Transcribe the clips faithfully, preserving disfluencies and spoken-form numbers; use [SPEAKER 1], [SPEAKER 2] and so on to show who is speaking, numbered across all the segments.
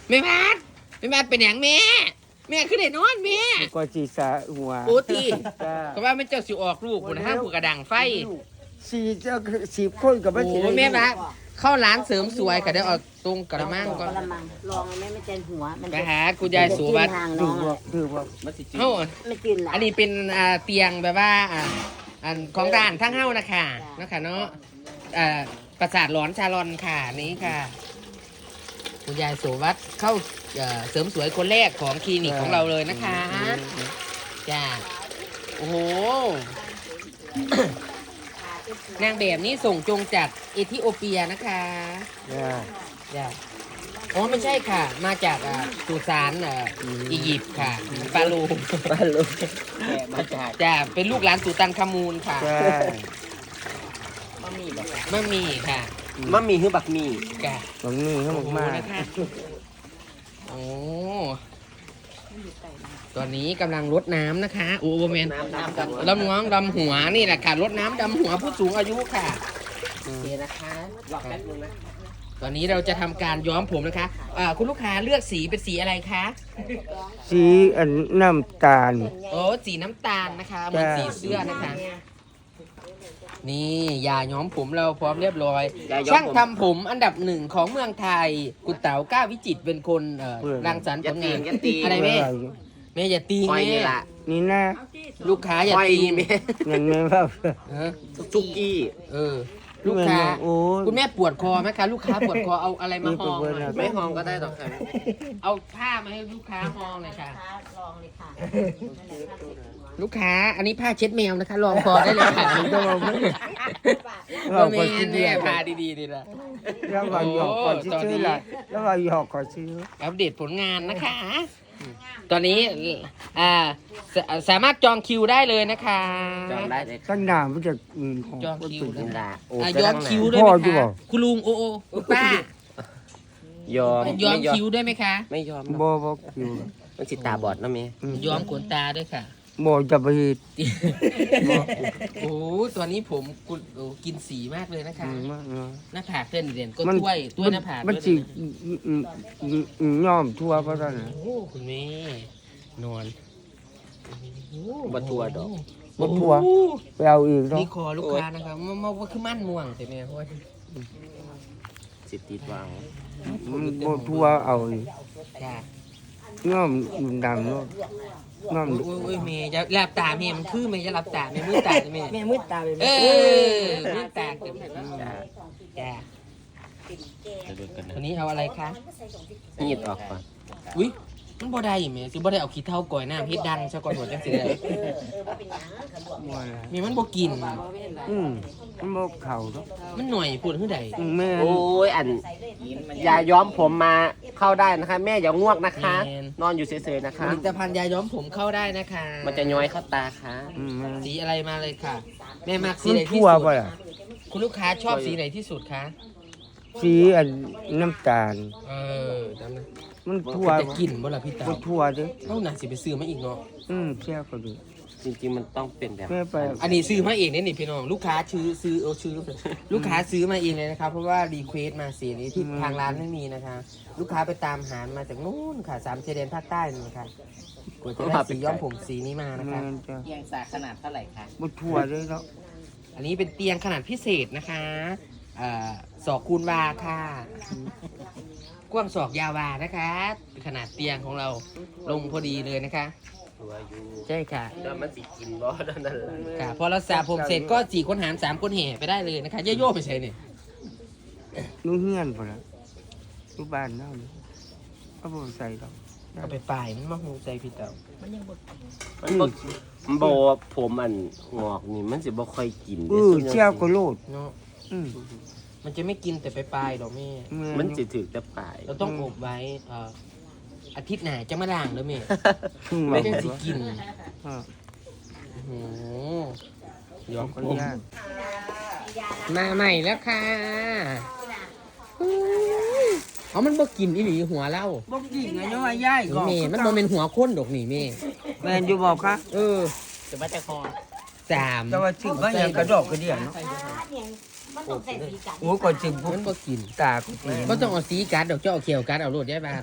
[SPEAKER 1] แม่พัดแม่พัดเป็นอย่างแม่แม่ขึ้นได้นอนแม่
[SPEAKER 2] ก็จีสาหัว
[SPEAKER 1] โอ้ตี
[SPEAKER 2] จ้า
[SPEAKER 1] ก็ว่ามันเจ้าสิออกลูกคุณนะฮะผู้กระดังไฟ
[SPEAKER 2] สีเจ้าสีคนกับมัน
[SPEAKER 1] โอ้
[SPEAKER 2] สี
[SPEAKER 1] แม่พัดเข้าร้านเสริมสวยก็ได้เอาตรงกระมังก่อน
[SPEAKER 3] กระมังลองแม่ไม่เจนหัวมัน
[SPEAKER 1] ไปหาคุณยายสุวัสดิ์
[SPEAKER 3] ทาง
[SPEAKER 2] ถื
[SPEAKER 3] น้อ
[SPEAKER 2] อง ว่าถือว่า
[SPEAKER 4] มันสิจืด
[SPEAKER 1] เฮ้า
[SPEAKER 3] ไม่กินละ
[SPEAKER 1] อันนี้เป็นอ่าเตียงแบบว่าอ่าอันของร้านทั้งเฮ้านะคะนะคะเนาะอ่าประสาทหลอนชาลอนค่ะนี้ค่ะ คุณยายสุวัสดิ์เข้าเอ่อเสริมสวยคนแรกของคลินิกของเราเลยนะคะจ้าโอ้โห นางแบบนี้ส่งจงจากเอธิโอเปียนะคะ
[SPEAKER 2] จ้า
[SPEAKER 1] จ้าอ๋อไม่ใช่ค่ะ มาจากอ่าสุสานอ่าอียิปต์ค่ะปาลู
[SPEAKER 2] ปลาลูก
[SPEAKER 4] แกะมาจาก
[SPEAKER 1] จ้าเป็นลูกหลานสุตันคามูลค่ะ
[SPEAKER 2] จ้า
[SPEAKER 4] บะหมี่แบบ
[SPEAKER 1] ไม่มีค่ะ
[SPEAKER 4] บะหมี่คือบักหมี่
[SPEAKER 1] จ้า
[SPEAKER 2] ตรงนี้เขาบอกมาก
[SPEAKER 1] นะคะโอ้ตอนนี้กำลังรดน้ำนะคะโอ้โหแมน
[SPEAKER 4] น้ำน้ำกัน
[SPEAKER 1] ลำน้องดำหัวนี่แหละค่ะรดน้ำดำหัวผู้สูงอายุค่ะโอเคนะคะ
[SPEAKER 4] รอแป๊บนึงนะ
[SPEAKER 1] ตอนนี้เราจะทำการย้อมผมนะคะอ่าคุณลูกค้าเลือกสีเป็นสีอะไรคะ
[SPEAKER 2] สีอันน้ำตาล
[SPEAKER 1] โอ้สีน้ำตาลนะคะเหมือนสีเสื้อนะคะ นี่ยาย้อมผมเราพร้อมเรียบร้อย ช่างทำผมอันดับหนึ่งของเมืองไทยคุณเต๋าก้าววิจิตรเป็นคนเอ่อรังสรรค์ผ
[SPEAKER 4] อย่า
[SPEAKER 1] ล
[SPEAKER 4] ตี
[SPEAKER 1] งาน
[SPEAKER 4] อย่าตี
[SPEAKER 1] อะไรแม่แม่อย่าตี
[SPEAKER 4] คอย
[SPEAKER 1] แม่
[SPEAKER 4] นี่ละ
[SPEAKER 2] นี่นะ
[SPEAKER 1] ลูกค้าอย่า
[SPEAKER 4] คอย
[SPEAKER 1] ตี
[SPEAKER 4] นี่แม่
[SPEAKER 2] เงินไม่ว่า
[SPEAKER 1] เออ
[SPEAKER 4] ซุกี้
[SPEAKER 1] เออ ลูกค้า
[SPEAKER 2] โอ้ย
[SPEAKER 1] คุณแม่ปวดคอไหมคะลูกค้าปวดคอเอาอะไรมาห้องหน่อย
[SPEAKER 4] ไม่หอมก็ได้หรอกครับ
[SPEAKER 1] เอาผ้ามาให้ลูกค้าห้องหน่อยค่ะ
[SPEAKER 3] ลองเลยค่ะ
[SPEAKER 1] ลูกค้าอันนี้ผ้าเช็ดแมวนะคะลองคอได้เลยค่ะ
[SPEAKER 2] ต้องเอาไม่
[SPEAKER 1] โอ้แม่แม่ผ้าดีๆดีละ
[SPEAKER 2] แล้วว่าหยอกก่อนซื้อละแล้วว่าหยอกก่อนซื้อ
[SPEAKER 1] อัปเดตผลงานนะคะ ตอนนี้อ่าสสามารถจองคิวได้เลยนะคะ
[SPEAKER 4] จองได้เลย
[SPEAKER 2] ตั้งนานมันจะอืมของ
[SPEAKER 1] จองคิว
[SPEAKER 4] จินดาโอ้
[SPEAKER 1] อ่ะ
[SPEAKER 4] กระ
[SPEAKER 1] ย้อ
[SPEAKER 4] ดั
[SPEAKER 1] ม
[SPEAKER 4] ง
[SPEAKER 1] คิว
[SPEAKER 4] นะ
[SPEAKER 1] ด้วยไหม
[SPEAKER 2] พ่ออยู่
[SPEAKER 1] คะ
[SPEAKER 2] บ่
[SPEAKER 1] คุณลุงโอโอคุณป้าย
[SPEAKER 4] อม
[SPEAKER 1] ย้อม
[SPEAKER 4] ไม่
[SPEAKER 1] คิวด้วยไหมคะ
[SPEAKER 4] ไม่ยอม
[SPEAKER 2] บ่
[SPEAKER 4] นะ
[SPEAKER 2] บ่คิว
[SPEAKER 4] มันสิตาบอดนะเมย์
[SPEAKER 1] ย้อมขนตาด้วยค่ะ
[SPEAKER 2] บ่จะไปเฮ็ด
[SPEAKER 1] โอ้ตัวนี้ผมกุโอ้กินสีมากเลยนะคะ
[SPEAKER 2] อืมมากเนาะ
[SPEAKER 1] หน้าผากเส้นเด่นก็
[SPEAKER 2] มัน
[SPEAKER 1] ถ้วยถ้วยหน้าผาก
[SPEAKER 2] มัน
[SPEAKER 1] ด้วย
[SPEAKER 2] สิ
[SPEAKER 1] นะ
[SPEAKER 2] อืมอืมอืมอืมย่อมทั่วเพราะฉะนั้น
[SPEAKER 1] โอ้คุณแม่นอน
[SPEAKER 4] บัทัวดอก
[SPEAKER 2] บ่ทั่วไปเอาอีกเนาะ
[SPEAKER 1] นี่คอลูกค้านะครับมันมันว่าคือมั่นม่วงใช่ไหมเพราะว่า
[SPEAKER 4] สิติดวาง
[SPEAKER 2] มันบ่ทั่วเอาอีก
[SPEAKER 1] จ้า
[SPEAKER 2] ย่อมดำเนาะย่อม
[SPEAKER 1] โอ้ยโอ้ยเมย์จะหลับตาเมย์มันคือเมย์จะหลับตาเมย์มือตาจะเมย์
[SPEAKER 3] แม่มืดตาเลย
[SPEAKER 1] เออมือตาเต็มจ้าจ้า
[SPEAKER 4] จะดูกันนะ
[SPEAKER 1] วันนี้เอาอะไรคะ
[SPEAKER 4] นีดออกก่อน
[SPEAKER 1] อุ้ยมันบ่ได้เมย์สิบ่ได้เอาขี้เท่าก่อยน้ำเฮ็ดดังซะก่อนหัวจังสิได้
[SPEAKER 2] บ่นะ
[SPEAKER 1] เมย์มันบ่กิน
[SPEAKER 2] อืมมันบ่เข้าเนาะ
[SPEAKER 1] มันหน่อยพูดคือใด
[SPEAKER 2] อืมแม่น
[SPEAKER 4] โอ้ยอันอย่าย้อมผมมาเข้าได้นะคะ แม่อย่าง่วงนะคะ นอนอยู่เฉยๆนะ
[SPEAKER 1] ผ
[SPEAKER 4] คะ
[SPEAKER 1] ลิตภัณฑ์ยาย้อมผมเข้าได้นะคะ
[SPEAKER 4] มันจะย้อยเข้าตาค่ะ
[SPEAKER 2] อืมแม่น
[SPEAKER 1] สีอะไรมาเลยค่ะ แม่มักสี
[SPEAKER 2] มัน
[SPEAKER 1] ไหนที่
[SPEAKER 2] ทั่ว
[SPEAKER 1] สุด
[SPEAKER 2] บ่ล่ะ
[SPEAKER 1] คุณลูกค้าชอบสีไหนที่สุดคะ
[SPEAKER 2] สีอันน้ำตาล
[SPEAKER 1] เออจำนะ
[SPEAKER 2] มันทั่ว
[SPEAKER 1] จะกินบ่ล่ะพี่เต๋า
[SPEAKER 2] บ่ทั่วเด้อ
[SPEAKER 1] เท่าหน่าสิไปซื้อมาอีกเนาะ
[SPEAKER 2] อืมเชี่ยวก็ดู
[SPEAKER 4] จริงๆมันต้องเป็นแบบ
[SPEAKER 2] แม่ไป
[SPEAKER 1] อันนี้ซื้อมาเองเนี่ยนี่พี่น้องลูกค้าซื้อซื้อเอาซื้อลูกค้าซื้อมาเองเลยนะครับเพราะว่ารีเควสมาสีนี้ที่ทางร้านไม่มีนะคะลูกค้าไปตามหามาจากนู้นค่ะสามชายแดนภาคใต้นี่นะคะกว่าจะได้สีย้อมผมสีนี้มานะ
[SPEAKER 2] แม่
[SPEAKER 1] คะ
[SPEAKER 2] นจ้ะ
[SPEAKER 4] เอียงสาขนาดเท่าไหร่คะ
[SPEAKER 2] บ่ทั่วเลยเนาะ
[SPEAKER 1] อันนี้เป็นเตียงขนาดพิเศษนะคะเอ่อศอกคูณวาค่ะกว้างศอกยาววานะคะขนาดเตียงของเราลงพอดีเลยนะคะ
[SPEAKER 4] ตัวอยู่
[SPEAKER 1] ใช่ค่ะ
[SPEAKER 4] แล้วมันสิกินบ่นั่นแหละ
[SPEAKER 1] ค่ะพอเราสระผมเสร็จก็สี่คนหารสามคนแห่ไปได้เลยนะคะย่อๆไปใช่เนี่ย
[SPEAKER 2] นู่เฮือนพุ่นล่ะอยู่บ้านเฮานี่ก็บ่ใส่ดอก
[SPEAKER 1] เอาไปป่ายมันมาหูใจพี่เต๋า
[SPEAKER 4] มันบ่มันบ่ผมอันงอกนี่มันสิบ่ค่อยกิน
[SPEAKER 2] เอ
[SPEAKER 4] ด้
[SPEAKER 2] อ
[SPEAKER 4] ส่วนใหญ่
[SPEAKER 2] เชี่ยวก็โลด
[SPEAKER 1] เนาะ
[SPEAKER 2] อืม
[SPEAKER 1] มันจะไม่กินแต่ไปปลายๆดอกแม่
[SPEAKER 4] มันสิถึกแต่ปลาย
[SPEAKER 1] เราต้องอบไว้เอ่ออาทิตย์หน้าจะมาล้างเด้อแม่
[SPEAKER 2] อืม
[SPEAKER 1] ไม่
[SPEAKER 2] ว่า
[SPEAKER 1] ได้สิกิน
[SPEAKER 2] อ่า
[SPEAKER 1] โอ้โหย้อม
[SPEAKER 2] ขอ
[SPEAKER 1] ผ
[SPEAKER 2] อนุ
[SPEAKER 1] ม
[SPEAKER 2] ญาต
[SPEAKER 1] มาใหม่แล้วค่ะเอามันบ่กินอีหลีหัวเล่า
[SPEAKER 2] บ่กินไงเนาะว่ายายก็
[SPEAKER 1] แม่มันบ่เป็นหัวข้นดอกนี่แม่
[SPEAKER 2] แม่นอยู่บ่คะ
[SPEAKER 1] เออ
[SPEAKER 4] จะมาแต่คอ
[SPEAKER 1] สาม
[SPEAKER 2] แต่ว่าชื่อว่าหยังกระดอกกระเดี่ยเนาะ
[SPEAKER 3] มันต้องใส่สีกัด
[SPEAKER 2] โอ้ก่อนสิบ
[SPEAKER 1] มันบ่กิน
[SPEAKER 2] ตากูตี
[SPEAKER 1] บ่ต้องเอาสีกัดดอกเจ้าเอาเขียวกัดเอาโลดยายบาท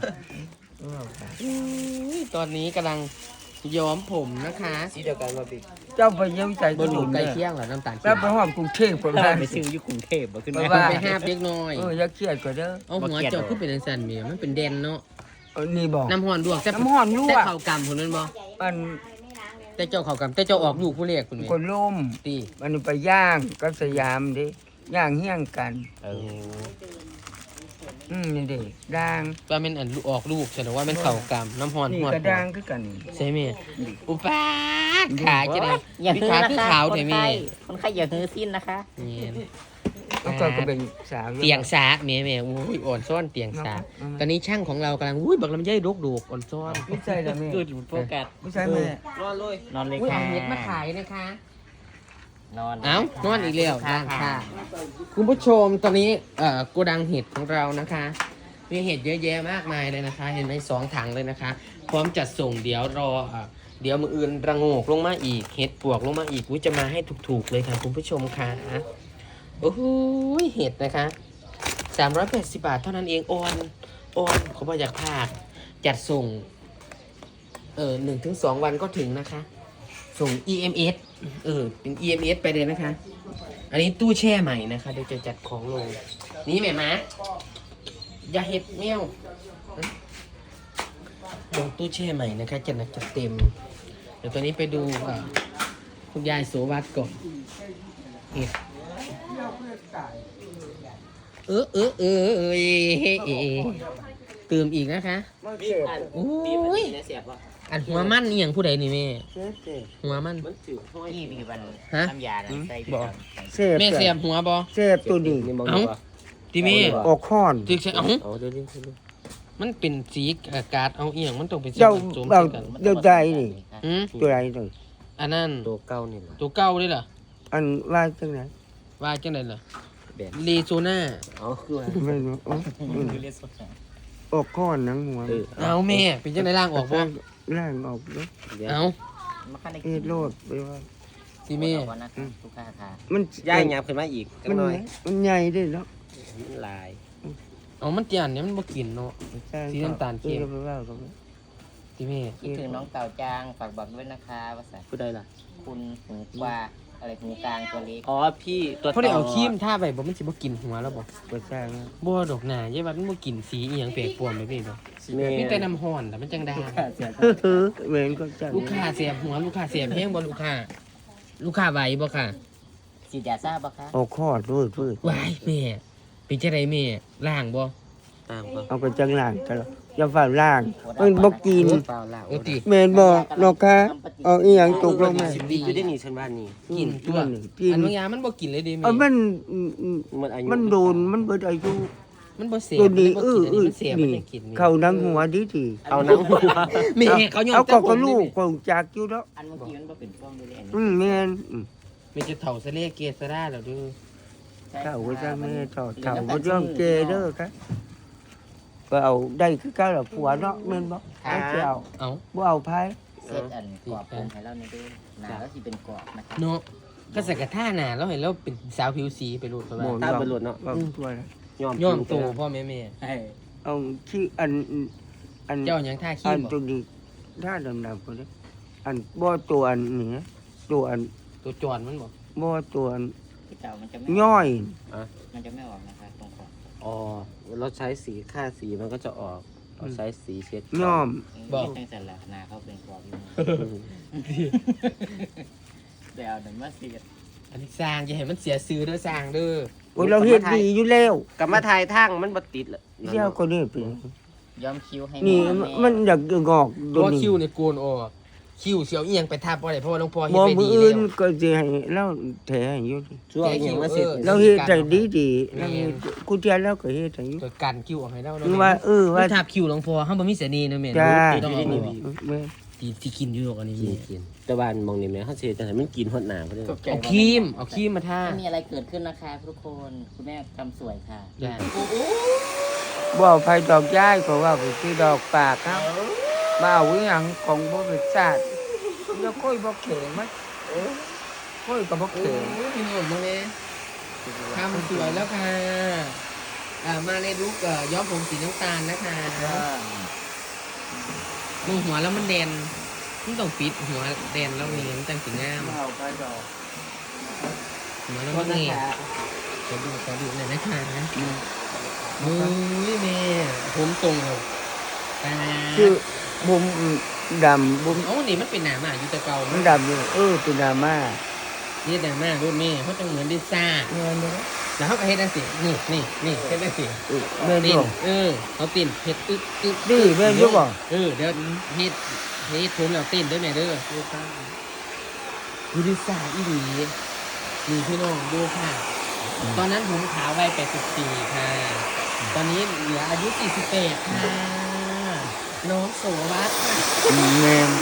[SPEAKER 1] ตอนนี้กำลังย้อมผมนะคะ
[SPEAKER 4] สีเดียวกันมาพี่
[SPEAKER 2] เจ้าไปเยี่ยมใจ
[SPEAKER 1] บ่
[SPEAKER 2] กู
[SPEAKER 1] รู้
[SPEAKER 2] ดู
[SPEAKER 1] ใกล้
[SPEAKER 2] เนี่ย
[SPEAKER 1] เคียงเหรอน้ำตาล
[SPEAKER 2] แล้วไปห้องกรุงเทพคนละ
[SPEAKER 4] ไปซื้ออยู่กรุงเทพบ่ขึ้น
[SPEAKER 2] ไป
[SPEAKER 4] มา
[SPEAKER 2] ว่า
[SPEAKER 1] ไปห้าบเล็กน้อย
[SPEAKER 2] เอออย่าเครียดกว่าเด้อ
[SPEAKER 1] เอาหัวเจ้าขึ้นเป็นจังซั่นแม่มันเป็นแดนเนาะ
[SPEAKER 2] เออนี่บอก
[SPEAKER 1] น้ำฮ้อนลวกแต่
[SPEAKER 2] น้ำฮ้อนลวก
[SPEAKER 1] แต่ข้าวกำพุ่นนั่นบ่
[SPEAKER 2] มัน
[SPEAKER 1] แต่เจ้าข้าวกำแต่เจ้าออกลูกผู้เรียกพุ่นนี่
[SPEAKER 2] คนล่ม
[SPEAKER 1] ติ
[SPEAKER 2] มันไปย่างกับสยามดิย่างเฮี้ยงกัน
[SPEAKER 4] เออ
[SPEAKER 2] อืมนี่เด็ด่าง
[SPEAKER 1] ว่ามันอันออกลูกแสดงว่ามันข้าวกำน้ำฮ้อน
[SPEAKER 2] นี่
[SPEAKER 1] ฮ้อน
[SPEAKER 2] ก็ด่างคือกันนี่
[SPEAKER 1] ใช่ไหมอุปาทขาจะได้
[SPEAKER 3] อย่า
[SPEAKER 1] พี่
[SPEAKER 3] ฮือ
[SPEAKER 1] ขา
[SPEAKER 3] นะ
[SPEAKER 1] คือ
[SPEAKER 3] คะ
[SPEAKER 1] ขาว
[SPEAKER 3] คน
[SPEAKER 1] แต่
[SPEAKER 3] ไข้
[SPEAKER 1] แม่
[SPEAKER 3] คนไข้อย่าฮือสิ้นนะคะ
[SPEAKER 1] นี่
[SPEAKER 2] แล้วก็ก็เป็นสาว
[SPEAKER 1] เตียงสาแม่แม่อุ้ยอ่อนซ้อนเตียงสาตอนนี้ช่างของเรากำลังอุ้ยบักลำไยดกดกอ่อนซ้อน
[SPEAKER 2] ไม่ใช่ละแม่
[SPEAKER 4] คือโฟกัส
[SPEAKER 2] ไม่ใช่แม่
[SPEAKER 4] นอนเลย
[SPEAKER 3] นอนเลย
[SPEAKER 1] อุ้ย
[SPEAKER 3] ค่ะ
[SPEAKER 1] เอาเห็ดมาขายนะคะ
[SPEAKER 3] นอน
[SPEAKER 1] เอ้านอนอีกแล้วด้านค่ะคุณผู้ชมตอนนี้เอ่อโกดังเห็ดของเรานะคะ มีเห็ดเยอะแยะมากมายเลยนะคะ เห็นไหมสองถังเลยนะคะ พร้อมจัดส่งเดี๋ยวรออ่ะเดี๋ยวมืออื่นระโงกลงมาอีกเห็ดปวกลงมาอีกอุ้ยจะมาให้ถูกๆเลยค่ะคุณผู้ชมค่ะโอ้โหเห็ดนะคะสามร้อยแปดสิบบาทเท่านั้นเองออนออนเขาบอกอยากพลาดจัดส่งเออหนึ่งถึงสองวันก็ถึงนะคะ ส่ง อี เอ็ม เอส เออ เป็น อี เอ็ม เอส ไปเลยนะคะ อันนี้ตู้แช่ใหม่นะคะ เดี๋ยวจะจัดของลง นี่แม่มาอย่าเห็ดแมวลงตู้แช่ใหม่นะคะจะหนักจะเต็ม เดี๋ยวตอนนี้ไปดูอ่าคุณยายโสวัสดิ์ก่อนเห็ดเออเออเออเออเอเอเอเติมอีกนะคะ โอ้ย
[SPEAKER 3] เสียบป่ะ
[SPEAKER 1] อันหัวมันนี่อย่างผู้ใดนี่แม่
[SPEAKER 2] เสพเสพ
[SPEAKER 1] หัวมัน
[SPEAKER 4] มันจืดห้อย
[SPEAKER 3] นี่มีวัน
[SPEAKER 1] ฮะ
[SPEAKER 3] น้ำยาน่ะใส่
[SPEAKER 2] บอก เสพ
[SPEAKER 1] แม่เสียบหัวบอ
[SPEAKER 2] เสพตัวนี้
[SPEAKER 4] นี่มอง
[SPEAKER 1] เอ้า
[SPEAKER 4] ดูป่ะ
[SPEAKER 1] ที่แม่
[SPEAKER 2] ออกข้อน
[SPEAKER 1] จึกใช่เอ้า
[SPEAKER 4] เอาเดี๋ยวนี้เดี๋ยวนี้
[SPEAKER 1] มันเป็นสีอากาศเอาเอียงมันต้องเป็นสี
[SPEAKER 2] เจ้า
[SPEAKER 1] ผสม
[SPEAKER 2] เรา
[SPEAKER 1] กัน
[SPEAKER 2] เดี๋ยวใจนี่
[SPEAKER 1] อืม
[SPEAKER 2] ตัวไรตัว
[SPEAKER 1] อันนั้น
[SPEAKER 4] ตัวเก้านี่แหละ
[SPEAKER 1] ตัวเก้าเลยเหรอ
[SPEAKER 2] อันว่าจังไหน
[SPEAKER 1] ว่าจังไดล่ะ
[SPEAKER 4] แบน
[SPEAKER 1] เลโซน่า
[SPEAKER 4] เอาคือว่า
[SPEAKER 2] ไม่รู้อ๋ออืม
[SPEAKER 3] คือเรียกสด
[SPEAKER 2] ออกข้อนหนังหัว
[SPEAKER 4] เออ
[SPEAKER 1] เอาแม่เป็นจังไดล่างออกบ่
[SPEAKER 2] ล่างออกเด้อ
[SPEAKER 4] เดี๋ยว
[SPEAKER 1] เอา
[SPEAKER 3] มาขั้นใน
[SPEAKER 2] เอ็ดโลดไปว่า
[SPEAKER 1] ที่แม่
[SPEAKER 3] วันนะทุกค่าค่ะ
[SPEAKER 2] มัน
[SPEAKER 4] ย่ายหยับขึ้นมาอีกจั
[SPEAKER 2] มั
[SPEAKER 4] ง
[SPEAKER 2] น
[SPEAKER 4] หน่อย
[SPEAKER 2] มันใหญ่ด้วยเนาะ
[SPEAKER 4] มันลาย
[SPEAKER 1] เอามันเตียนเนี่ยมันบ่กินเนาะ
[SPEAKER 2] ใช่
[SPEAKER 1] สีน้ำตาลเข้ม
[SPEAKER 2] ออไปว่ากัน
[SPEAKER 1] ที่แม่
[SPEAKER 3] คิดถึงน้องเต่าจางฝากบอกด้วยนะคะว่าสั
[SPEAKER 4] ผู้ใดล่ะ
[SPEAKER 3] คุณหูกว่าอะไรหูกลางตัวเล็ก
[SPEAKER 4] อ๋อพี่ตัว
[SPEAKER 1] เขาได้เอาครีมทาไปบ่มันสิบ่กินหัวแล้วบ่
[SPEAKER 2] ก็ใช่นะ
[SPEAKER 1] บ่ดอกหน้ายายว่ามันบ่กินสีอีหยังแปลกปลอมไปพี่ดอก
[SPEAKER 4] แม่
[SPEAKER 1] มีแต่น้ำร้อนแต่มันจังได้
[SPEAKER 2] เฮ้อเหมือนก็จัง
[SPEAKER 1] ลูกค้าเสียบหัวลูกค้าเสียบแห้งบ่ลูกค้า ลูกค้าไหวบ่ค่ะ
[SPEAKER 3] สีดยาทราบปะคะ
[SPEAKER 2] เอาข้อด้วยด้วย
[SPEAKER 1] ไหวแม่เป็นจังไดแม่ล้างบ่
[SPEAKER 4] ตามป่ะ
[SPEAKER 2] เอาไปจังล่างตลอดอย่าฝ่าล่าง มันบ่กิน
[SPEAKER 4] เปล่าล่ะ
[SPEAKER 1] โอ้ติ
[SPEAKER 2] แม่นบ่นกคะเอาอีหยังตกลงมา
[SPEAKER 4] สิบดีอยู่ได้หนีฉันบ้านนี่
[SPEAKER 1] กินตัว
[SPEAKER 2] นี่กิน
[SPEAKER 1] อันบางอย่างมันบ่กินเลยเดิแม่
[SPEAKER 2] เอามันอืมอืม
[SPEAKER 4] มันอายุ
[SPEAKER 2] มันโดนมันเบิดอายุ
[SPEAKER 1] มันบ่เสีย
[SPEAKER 2] ตัวนี้
[SPEAKER 1] มั
[SPEAKER 2] เอ
[SPEAKER 1] บ่
[SPEAKER 2] อ
[SPEAKER 1] กินอัน
[SPEAKER 2] เอ
[SPEAKER 1] นี้
[SPEAKER 2] อ
[SPEAKER 1] มันเสียมัน
[SPEAKER 2] นี่
[SPEAKER 1] จะกิน
[SPEAKER 2] เข้านังหัวดีที
[SPEAKER 4] เอาหนังหัว
[SPEAKER 1] แม่เขายอม
[SPEAKER 2] เอา
[SPEAKER 1] แต่
[SPEAKER 2] ก็
[SPEAKER 1] ผ
[SPEAKER 2] ก็
[SPEAKER 1] ม
[SPEAKER 2] ลู
[SPEAKER 1] นี่
[SPEAKER 2] กคงจากอยู่แล้ว
[SPEAKER 3] อันเมื่อกี้มันบ่เป็นฟ้องด้วยเลย
[SPEAKER 2] อืมแม่นอืม
[SPEAKER 1] แม่จะเฒ่าซะเลเกซะได้แล้วเด้อ
[SPEAKER 2] เฒ่าก็จะแม่เฒ่าเฒ่าก็ย่อมเจเด้อครับก็เอาได้คือเก้าละผัวเนาะแม่นบ่เอาสิเอา
[SPEAKER 1] เอ้า
[SPEAKER 2] บ่เอาไผ
[SPEAKER 3] เซตอันกรอบผมให้เราในดูหนาแล้วที่เป็นกรอบนะครับ
[SPEAKER 1] เนาะก็ใส่กระท่าหน้าแล้วเห็นแล้วเป็นสาวผิวสีไปรูดไปว่า
[SPEAKER 4] ตามไปหลุดเนาะ
[SPEAKER 2] บ่ตัวนะ
[SPEAKER 4] ยอม
[SPEAKER 1] ย้อมโตพ่อแม่แม่
[SPEAKER 2] เอาที่อันอัน
[SPEAKER 1] เจ้าหยังท่าขี้
[SPEAKER 2] อัน
[SPEAKER 1] บ่
[SPEAKER 2] ตัวนี้ถ้าดำๆก็ได้อันบ่ตัวอันนี้ตัวอัน
[SPEAKER 1] ตัวจอนมันบ่
[SPEAKER 2] บ่ตัวอัน
[SPEAKER 3] ที่เก่ามันจะไม่
[SPEAKER 2] ย่อย
[SPEAKER 3] มันจะไม่ออกนะครับตรงขอบ
[SPEAKER 4] อ๋อเราใช้สีค่าสีมันก็จะออกเราใช้สีเช็ด
[SPEAKER 2] ย่อม
[SPEAKER 3] บอกตั้งแต่ละนาเขาเป็นกรอบอยู่เดี๋ยวเดี๋ยวมาเสีย
[SPEAKER 1] อันนี้สร้างอย่าให้มันเสียซื้อเด้อสร้างเด้อ
[SPEAKER 2] โอ้ยเราเฮ็ดดีอยู่แล้ว
[SPEAKER 4] กลับมาถ่ายทั้งมันบ่ติดละ
[SPEAKER 2] เที่ยวก็นี่เป็น
[SPEAKER 3] ย้อมคิ้วให้
[SPEAKER 2] นี่
[SPEAKER 3] แ
[SPEAKER 2] มันอยากงอก
[SPEAKER 1] เพ
[SPEAKER 2] ตัว
[SPEAKER 1] ราะว่า
[SPEAKER 2] นี้
[SPEAKER 1] คิ้วเนี่ยโกนออกคิ้วเสียวเอียงไปทับบ่ได้เพราะว่าหลวงพ่อเฮ็ด
[SPEAKER 2] บ่
[SPEAKER 1] ไป
[SPEAKER 2] มื
[SPEAKER 1] ดี
[SPEAKER 2] ออื่
[SPEAKER 1] แล้
[SPEAKER 2] น
[SPEAKER 1] ว
[SPEAKER 2] ก็สิให้เราแถให้อยู่ดิ
[SPEAKER 4] ช่วงอย่างมาเสร็จ
[SPEAKER 2] เราเฮ็ดได้ดีดีๆเราเฮ็ดกูเทียนแล้วก็เฮ็ดให้อยู่
[SPEAKER 1] ก็กันคิ้วออกให้เรา
[SPEAKER 2] คือว่าเออ
[SPEAKER 1] ว่า
[SPEAKER 2] ว่า
[SPEAKER 1] ทับคิ้วหลวงพ่อเฮาบ่มีเสน่ห์นะแม่
[SPEAKER 2] จ้า
[SPEAKER 1] ต้องเอาออก
[SPEAKER 2] แม่
[SPEAKER 1] ที่ที่กินอยู่ดอกอันนี้
[SPEAKER 4] กินกินแต่บ้านมองนี่แม่เขาเสียจังไดมันกินฮอดหน้าเพิ่น
[SPEAKER 1] เอาครีมเอาครีมมาทา
[SPEAKER 3] ไม่มีอะไรเกิดขึ้นนะคะทุกคนคุณแม่ทำสวยค่ะ
[SPEAKER 1] จ้า
[SPEAKER 2] บ่เอาไผดอกย้ายก็ว่าไปซื้อดอกปากครับมาเอาอีหยังของบ่เป็นชาติแล้วค่อยบ่เข็งมั้ยเออค่อยก็บ่
[SPEAKER 1] โอ้
[SPEAKER 2] เข็ง
[SPEAKER 1] ยพี่น้องมึงแม่ทำสวยแล้วค่ะอ่ามาในลุคเอ่อย้อมผมสีน้ำตาลนะคะมองหัวแล้วมันแดนมันต้องปิดหัวแดนแล้วนี่มันจังสีงาม
[SPEAKER 2] เอาไปดอก
[SPEAKER 1] หัวแล้วมันเงียบขอดูขอดูหน่อยนะคะโอ้ยแม่ผมตรงเลยตา
[SPEAKER 2] คือบุมดำบุม
[SPEAKER 1] โอ้นี่มันเป็นหนามาอยู่แต่เก่า
[SPEAKER 2] มันดำอยู่เออเป็นดราม่า
[SPEAKER 1] นี่หนามารุ่นแม่เขาต้องเหมือนดิซ่า
[SPEAKER 2] เงินเลย
[SPEAKER 1] แล้วเขาก็เฮ็ดได้สินี่นี่นี่เฮ็ดได้สิ
[SPEAKER 2] เออแม่น
[SPEAKER 1] ติ
[SPEAKER 2] บ่
[SPEAKER 1] นเออเขาตินเฮ็ดอึ๊กอึ๊ก
[SPEAKER 2] นี่แม่นอยู่บ่
[SPEAKER 1] เออเดี๋ยวเฮ็ดเฮ็ดผมแล้วตินด้วยแม่เด้อดูดิซ่าอีหลีนี่พี่น้องดูค่ะ ตอนนั้นผมขาววัยแปดสิบสี่ค่ะ ตอนนี้เหลืออายุสี่สิบแปดค่ะน้องโสวัสดิ์ค่ะ
[SPEAKER 2] อืมแม่น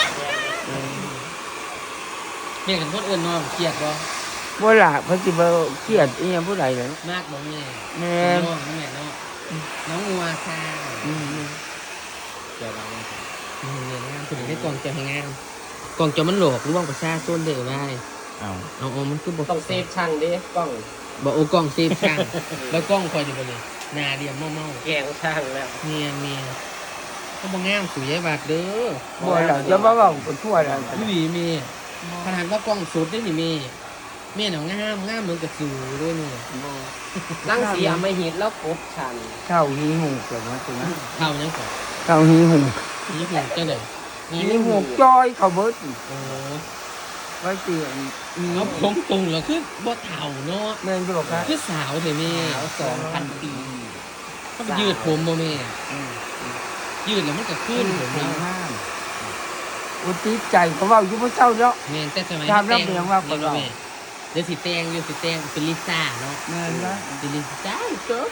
[SPEAKER 1] เรียกกันคนอื่นน้องเครียดบ่
[SPEAKER 2] บ่ล่ะเพิ่นสิบ่เครียดอีหยังผู้ใดล่ะ
[SPEAKER 1] มากบ่แม่
[SPEAKER 2] แม่น
[SPEAKER 1] น้องแม่เนาะน้องงัวค่ะ
[SPEAKER 2] อืม
[SPEAKER 3] เจอเราเนี่ย
[SPEAKER 1] อืมเนี่ยงามคุณได้กองเจอให้งามกองเจอมันโหลกร่วงประชาชนเด้อไว้
[SPEAKER 3] เอา
[SPEAKER 1] เอาเอามันคือบ่
[SPEAKER 4] ต้องเซฟช่างดิกล้อง
[SPEAKER 1] บ่โอ้กล้องเซฟช่าง แล้วกล้องคอยอยู่บ่นี่หน้าเดียมเมา
[SPEAKER 4] แกงช่างแล้ว
[SPEAKER 1] ๆเมียเมียก็บ่งามสุยายบาดเด้อ
[SPEAKER 2] บ่ล่ะจะมาเว้ากันทั่วแล้ว
[SPEAKER 1] พี่หลีเมียขนาดว่ากล้องสุดได้นี่เมียเมียน่ะงามงามเหมือนกับสูด้วยนี่
[SPEAKER 4] นั่งเสียไม่หิดแล้วกบชัน
[SPEAKER 2] เท่าหีหูเกิดมาถึง
[SPEAKER 1] เท่ายังก่อน
[SPEAKER 2] เท่าหีหู
[SPEAKER 1] นี่หูจังได๋
[SPEAKER 2] หีหูจ้อยเขาเบิด
[SPEAKER 1] โอ้
[SPEAKER 2] ไว้เตียน
[SPEAKER 1] เอาผมตรงแล้วคือบ่เฒ่าเนาะ
[SPEAKER 2] แม่นบ่ครับ
[SPEAKER 1] คือสาวเด้แม่
[SPEAKER 4] สาวสองพันปี
[SPEAKER 1] เขาไปยืดผมบ่แม่ยืดแล้วมันก็ขึ้นผม
[SPEAKER 2] เนา
[SPEAKER 1] เนาะ
[SPEAKER 2] ห้ามอุติใจเขาเว้าอยู่บ่เจ้าเนาะ
[SPEAKER 1] แม่นแต่สมัย
[SPEAKER 2] ถามแล้วเป็นยังว่าก่อน
[SPEAKER 1] เนาะแม่เดี๋ยวสิแต่งอยู่สิแต่งเป็นลิซ่าเนาะ
[SPEAKER 2] แม่นนะ
[SPEAKER 1] เป็นลิซ่าเด้อ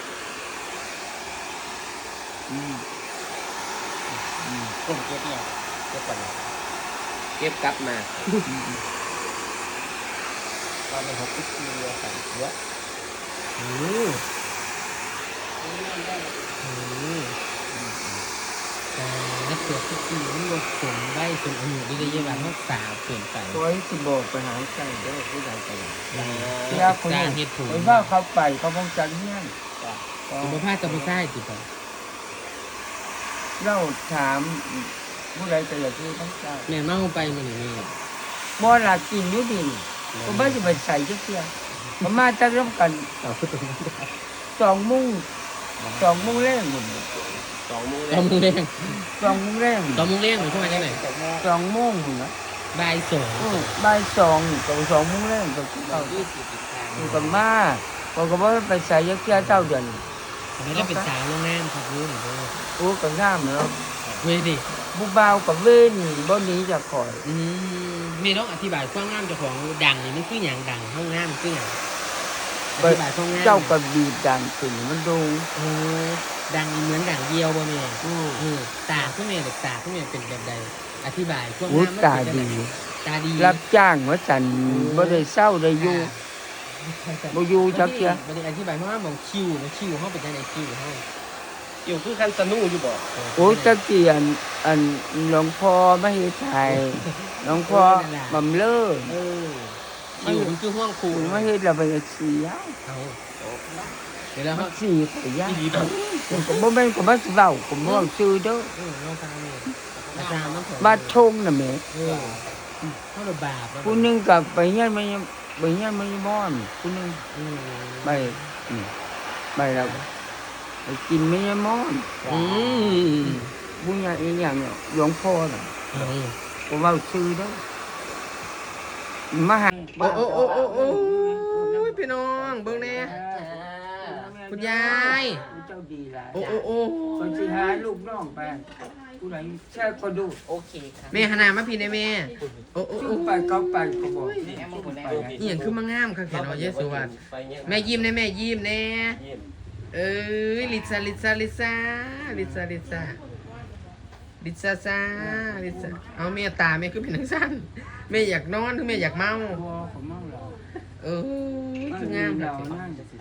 [SPEAKER 2] อืม
[SPEAKER 3] กลุ่มเก็บเนี่ยเก็บก่อนนะ
[SPEAKER 4] เก็บกลับมา
[SPEAKER 3] ตอนนี้หกสิบปีแล้วค่ะเยอะ
[SPEAKER 1] อืออือการเกิดทุกปีมันลดผมไว้จนอายุได้ได้ยังว่าเฮาสาวเกินไป
[SPEAKER 2] ตัวให้สิบอกไปหาใจเด้อผู้ใดก็ได้
[SPEAKER 1] เว
[SPEAKER 2] ยาคน
[SPEAKER 1] สร้าง
[SPEAKER 2] นี้
[SPEAKER 1] เฮ็ดผม
[SPEAKER 2] ไปว่าเขาไปเขาคงจังเฮียน
[SPEAKER 1] ผมบ่พากับบ่ใช่ติบ่
[SPEAKER 2] เราถามผู้ใดก็อยากรู้ทั้งเจ้า
[SPEAKER 1] แม่เมาไปมื้อนี้แม่
[SPEAKER 2] บ่ล่ะกินอยู่ดิก็บ่สิไปใส่จักเที่ยก็มาจักร่วมกัน
[SPEAKER 1] เอาคือตรงนี้
[SPEAKER 2] สองโมงสองโมงแรงหมด
[SPEAKER 4] สองมือ
[SPEAKER 1] ตอมงเลี้ยง
[SPEAKER 2] สองโมงแรง
[SPEAKER 1] ตอมงเลี้ยงหรือช่วงจังได๋
[SPEAKER 2] สองโมงพุ่นนะ
[SPEAKER 1] บ่ายสอง
[SPEAKER 2] เออบ่ายสองกับสองโมงแรงก็คือเอา
[SPEAKER 1] ยี่สิบอีกครั้ง
[SPEAKER 2] อยู่กับมาบอกก็บ่ไปใส่จักเที่ยเจ้าเดือน
[SPEAKER 1] ไม่ได้เป็นสาวโรงแรมครับรู้หรือเปล่า
[SPEAKER 2] โอ้ก็งามเนาะ
[SPEAKER 1] เว้ยดิ
[SPEAKER 2] ผู้บ่าวกับเว้นบ่หนีจากข่อย
[SPEAKER 1] อืมมีต้องอธิบายความงามเจ้าของดังนี่มันคืออย่างดังห้องงามคืออย่างอธิบายความงาม
[SPEAKER 2] เจ้าก็บีบดังขึ้นมันดู
[SPEAKER 1] โอ้ดังเหมือนดังเดียวบ่แม่
[SPEAKER 2] อือ
[SPEAKER 1] เออตาคือแม่เด็กตาคือแม่เป็นแบบใดอธิบายความ
[SPEAKER 2] โอ้
[SPEAKER 1] งามมัน
[SPEAKER 2] ตา
[SPEAKER 1] เป็นจัง
[SPEAKER 2] ดี
[SPEAKER 1] ไดตาดี
[SPEAKER 2] รับจ้างว่าสันบ่ได้เศร้าได้อยู่บ่อยู่จักเที่ย
[SPEAKER 1] บ่ได้อธิบายเพราะว่าหมองคิวนะคิวเฮาเป็นจังไดคิวเฮา
[SPEAKER 4] อยู่คือคันสนูอยู่บ่
[SPEAKER 2] โอ้ตะเกียนอันหลวงพ่อมาเฮ็ดไทยหลวงพ่อบำเลอ
[SPEAKER 1] เออคิวมันคือห้องครู
[SPEAKER 2] คุณมาเฮ็ดแล้วไปเสีย
[SPEAKER 1] เอาเดี๋ยวแล้ว
[SPEAKER 2] มั
[SPEAKER 1] เฮาน
[SPEAKER 2] สิขยะ
[SPEAKER 1] อีหลีบ่
[SPEAKER 2] ผมก็บ่แม่นก็มาสิเว้าผมบ่เว้าชื่อเด้อ
[SPEAKER 1] เออเราฟังนี่อาจารย์มัน
[SPEAKER 2] บ้านทงน่ะแหม่
[SPEAKER 1] เออเฮาระบาป
[SPEAKER 2] ผู้หนึงก็ไปเฮียนมาไปเฮียนมาม่อนผู้หนึง
[SPEAKER 1] อืม
[SPEAKER 2] ไปอืมไปแล้วไปกินไม่ยม่อน
[SPEAKER 1] อืม
[SPEAKER 2] บุญญาอีหยังเนี่ยหลวงพ่อน่ะ
[SPEAKER 1] เอา
[SPEAKER 2] ผมเว้าชื่อเด้อมาหา
[SPEAKER 1] โอ้โอ้โอ้โอ้โอ้ยพี่น้องเบิ่งแน่คุณยาย
[SPEAKER 2] เจ้าดีหลาย
[SPEAKER 1] โอ้โอ้โอ้
[SPEAKER 2] คนสิหาลูกน้องไปผู้ใดแช่คนดู
[SPEAKER 3] โอเคค่ะ
[SPEAKER 1] แม่หาหน้ามาพี่ได้แม่โอ้โอ้
[SPEAKER 2] ชื่
[SPEAKER 1] โอ้
[SPEAKER 2] อไปเขาไปเขาบอก
[SPEAKER 3] นี่แอมคนแรก
[SPEAKER 1] อีหยังคือมางามค่ะแค่น้อยเยสุวัสดิ์แม่ยิ้มแน่แม่ยิ้มแน่เอ้ยลิซ่าลิซ่าลิซ่าลิซ่าลิซ่าลิซ่าซ่าลิซ่าเอาแม่ตาแม่คือเป็นจังซั่นแม่อยากนอนหรือแม่อยากเมา
[SPEAKER 2] บัวของมั่งเรา
[SPEAKER 1] เออคืองาม
[SPEAKER 2] เรา
[SPEAKER 1] ค่ะ
[SPEAKER 2] นั่ง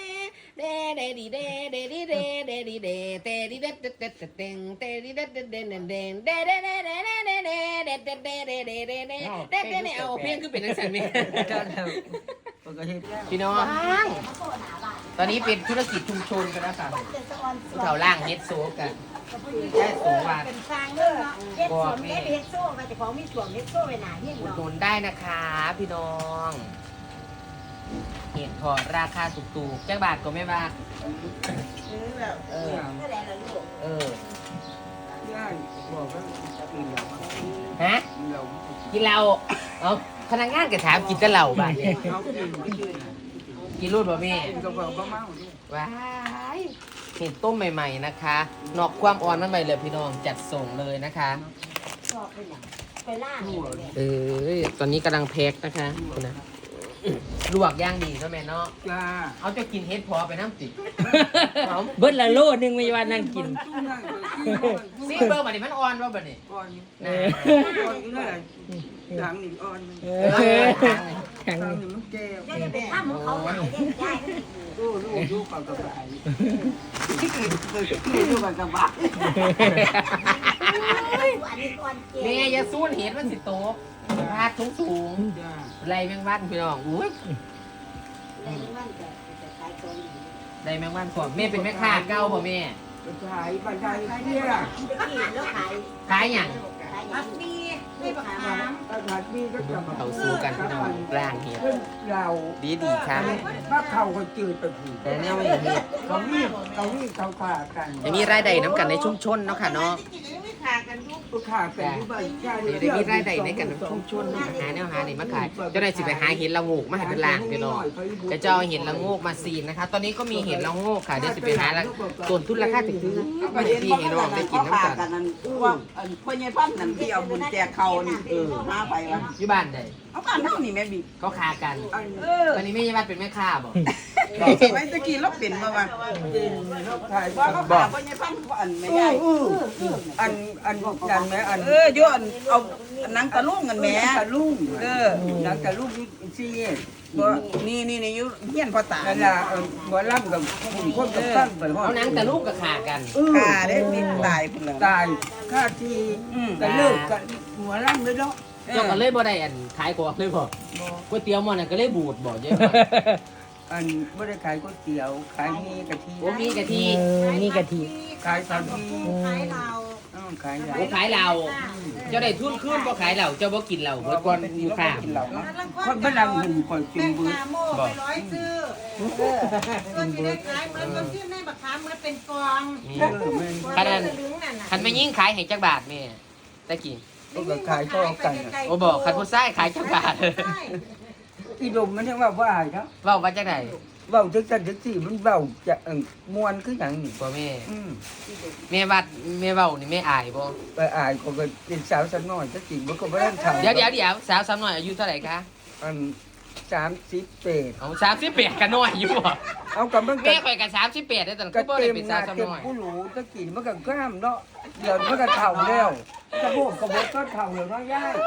[SPEAKER 1] เดเดดีเดเดดีเดเดดีเดเตดีเดเดเดเดเตดีเดเดเดเดเดเดเดเดเดเดเดเดเดเดเดเดเดเดเดเอาเพลงคือเป็นนักแสดง
[SPEAKER 2] มันก็เฮ็ดแล้ว
[SPEAKER 1] พี่น้องตอนนี้เป็นธุรกิจชุมชนกันแล้วค่ะผู้เฒ่าล่างเฮ็ดโซกันแค่สูงว่า
[SPEAKER 5] เป็นฟางเด้อเฮ็ดสวมเฮ็ดเฮ็ดโซ่ก็จะของมีสวมเฮ็ดโซ่ไว้หน้าเฮียน
[SPEAKER 1] อุด
[SPEAKER 5] เนาะ
[SPEAKER 1] หนุนได้นะคะพี่น้องเห็ดถอดราคาถูกๆจักบาทก็ไม่บาทเออ
[SPEAKER 5] เท่าไหร่ล่ะลูก
[SPEAKER 1] เออ
[SPEAKER 2] ย่าบอกว่ากินเหล้า
[SPEAKER 1] ฮะ
[SPEAKER 2] กินเหล้า
[SPEAKER 1] กินเหล้าเอาพนักงานก็ถามกินแต่เหล้าบ้าน
[SPEAKER 2] เขากินกิน
[SPEAKER 1] กินรูดบ่แม่
[SPEAKER 2] กินกับบ่เมาด้วย
[SPEAKER 1] ว้ายเห็ดต้มใหม่ ๆนะคะ นอกความอ่อนมันใหม่เลยพี่น้องจัดส่งเลยนะคะ
[SPEAKER 5] ชอบไปหยังไปล่างเนี่ย
[SPEAKER 1] เออตอนนี้กำลังแพ็คนะคะคุณนะลวกย่างดีเนาะแม่เนาะ
[SPEAKER 2] จ้า
[SPEAKER 1] เอาจะกินเฮ็ดพอไปน้ำติเอา
[SPEAKER 6] เบิดละโลนึงไม่ว่านั่งกิน
[SPEAKER 2] จุ้งนั่งกินก่อน
[SPEAKER 1] ซีเบอร์บัดนี้มันอ่อนว่าบัดนี้
[SPEAKER 2] ก่อน
[SPEAKER 1] นะ
[SPEAKER 2] ก่อนนี่แหละหลังนี่อ่อน
[SPEAKER 6] เอ
[SPEAKER 1] เอ
[SPEAKER 6] อ
[SPEAKER 1] อ
[SPEAKER 6] แข็ง
[SPEAKER 2] หลังนี่มันแก่
[SPEAKER 5] จะจะไปทำของเขาหลายเด้ได้
[SPEAKER 2] โอ้ลูกลูกกับกระบะที่เกิดเกิดลูกกับกระบะ
[SPEAKER 5] อันนี้ก่อนเจ๊
[SPEAKER 1] แม่อย่าสู้เห็ดมันสิโตกพาดสูงสูง
[SPEAKER 2] จ้า
[SPEAKER 1] ๆไรแมงวันพี่น้องอุ้ย
[SPEAKER 5] ได้มันจะจะขายของดี
[SPEAKER 1] ไรแมงวันก่อนแม่เป็นแม่ค้าเก่าบ่แม่
[SPEAKER 2] ขายบันไดเที่ย
[SPEAKER 5] ไปกินแล้วขาย
[SPEAKER 1] ขายหยัง
[SPEAKER 5] ขายหยังมีไม่บักขาม
[SPEAKER 2] ตลาดนี้ก็จะ
[SPEAKER 1] เขาสู้กันพี่น้องร่างเห็ด
[SPEAKER 2] ขึ้นเรา
[SPEAKER 1] ดีดีๆครับ
[SPEAKER 2] ถ้าเขาก็จืดไปผี
[SPEAKER 1] แต่เนี่ยไม่เห็ด
[SPEAKER 2] เขาวิ่งเขาวิ่งเขาขากัน
[SPEAKER 1] จะมีรายได้น้ำกันในชุมชนเนาะค่ะเนาะ
[SPEAKER 2] ลูกค้าเป็นที่บ้าน
[SPEAKER 1] เดี๋ยวได้มีรายได้ในกันในชุมชนเนาะหาแนวหานี่มาขายเจ้าได้สิไปหาเห็ดละโงกมาให้เป็นล่างพี่น้องจะเจ้าเห็ดละโงกมาซีนนะคะ ตอนนี้ก็มีเห็ดละโงกค่ะเดี๋ยวสิไปหาละต้นทุนราคาถึงซื้อไม่ได้ที่ให้น้องได้กินน้ำกัน
[SPEAKER 7] นั่นว่าอันพ่อใหญ่พันนั่นที่เอาบุญแจกเขานี่เออหาไปวะ
[SPEAKER 1] อยู่บ้านใด
[SPEAKER 7] เอาบ้านเฮานี่แม่บี
[SPEAKER 1] เขาคากัน
[SPEAKER 7] เออ
[SPEAKER 1] ตอนนี้แม่ยายบ้านเป็นแม่ค้าบ่
[SPEAKER 7] สมัยตะกี้เราเป็นมาว่า
[SPEAKER 2] ขาย
[SPEAKER 7] ว่าเขาขาพ่อใหญ่พันเขาอันแม่ใหญ่
[SPEAKER 2] อันอันยันไหมอัน
[SPEAKER 7] เออโยนเอาหนังตะลุงกันแหม่
[SPEAKER 2] ตะลุ่ง
[SPEAKER 7] เออ
[SPEAKER 2] นักตะลุ่งนี่ซี่
[SPEAKER 7] บ่นี่นี่นี่อยู่เฮียนพ่อตา
[SPEAKER 2] นั่นล่ะหัวล่ำกับหุ่นคนกับตั้งไปห้อง
[SPEAKER 1] เอาหนังแต่ลูกก็ขากัน
[SPEAKER 7] ฆ่าได้มีตายพุ่นแล้ว
[SPEAKER 2] ตายค่าทีกันเลิกกันหัวล่ำเลยเนาะ
[SPEAKER 1] เจ้าก็เลยบ่ได้อันขายของเลยบ่ก๋วยเตี๋ยวหม้อนั่นก็เลยบูดบ่เยอะ
[SPEAKER 2] อันไม่ได้ขายก๋วยเตี๋ยว ขายมีกะทิ
[SPEAKER 1] โอ้มีกะทิ
[SPEAKER 6] เออนี่กะทิ
[SPEAKER 2] ขายสาลี
[SPEAKER 5] ขายเรา
[SPEAKER 2] อ้าวขายยา
[SPEAKER 1] โอ้ขายเหล้าเจ้าได้ทุนคืนบ่ขายเหล้าเจ้าบ่กินเหล้าเบิดก่อนอยู่ข้าง
[SPEAKER 2] คนพลังหุ่นคอยจุ่มมือ
[SPEAKER 5] โม่ไปร้อยซื้อก็จะได้ขายเหมือนกับที่แม่บักขามมันเป็นกอง
[SPEAKER 1] คันนั้นคันไม่ยิ่งขายให้จักบาทแม่ตะกี้
[SPEAKER 2] ก็ขายก็กัน
[SPEAKER 1] โอ้บอกคันผู้ชายขายจักบาท
[SPEAKER 2] อีดมมันยังว่าว่าครับ
[SPEAKER 1] เว้าว่าจังได๋
[SPEAKER 2] เบาจักจันจักสี่มันเบาจะมวนคืออย่างนี้
[SPEAKER 1] บ่แม่
[SPEAKER 2] อืม
[SPEAKER 1] แม่วัดแม่เว้านี่แม่อายบ่
[SPEAKER 2] ไปอายก็เป็นสาวสักน้อยจักสี่มันก็ไม่ได้ทำ
[SPEAKER 1] เดี๋ยวเดี๋ยวเดี๋ยวสาวสาวน้อยอายุเท่าไหร่คะ
[SPEAKER 2] อันสามสิบเปด
[SPEAKER 1] เอาสามสิบแปดก็น้อยอยู่บ่
[SPEAKER 2] เอากับมัน
[SPEAKER 1] แม่ข่อยก็สามสิบแปดได้ตอน
[SPEAKER 2] ก็
[SPEAKER 1] คือบ่
[SPEAKER 2] เต็
[SPEAKER 1] ได้
[SPEAKER 2] ม
[SPEAKER 1] เป็น
[SPEAKER 2] ห
[SPEAKER 1] สา
[SPEAKER 2] น้าว
[SPEAKER 1] สาว
[SPEAKER 2] เต็ม
[SPEAKER 1] น้อย
[SPEAKER 2] ผู้หลูตะกี้มันก็กล้ามเนาะเดี๋ยวมันก็เท่าแล้วกระโบกกระโบกก็เท่าแล้วเนาะย่าย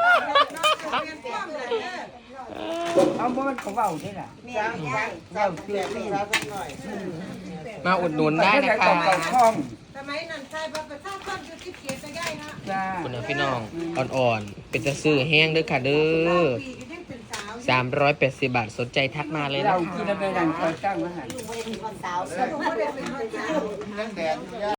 [SPEAKER 2] เอาบ่มันของเบาใช่ไหมเบาเชื่อที่
[SPEAKER 1] มาอุดหนุนได้นะคะ
[SPEAKER 2] เก่าคล่อง
[SPEAKER 5] สมัยนั้นใช่พระประชาชนอยู่ที่เขียนจะได้นะ
[SPEAKER 2] จ้า
[SPEAKER 1] คุณนะพี่น้องอ่อนๆ เป็นจะซื้อแห้งเด้วยค่ะเด้อ
[SPEAKER 5] ปีก็ยังเป็นสาว
[SPEAKER 1] สามร้อยแปดสิบบาทสนใจทักมาเลยนะ
[SPEAKER 2] เรา
[SPEAKER 1] คะ
[SPEAKER 2] กินแล้วไปนั่งคอยตั้งมาหัน
[SPEAKER 5] ลูกไม่ได้เป็นคนสาวลูกไม่ได้เป็นคนสาว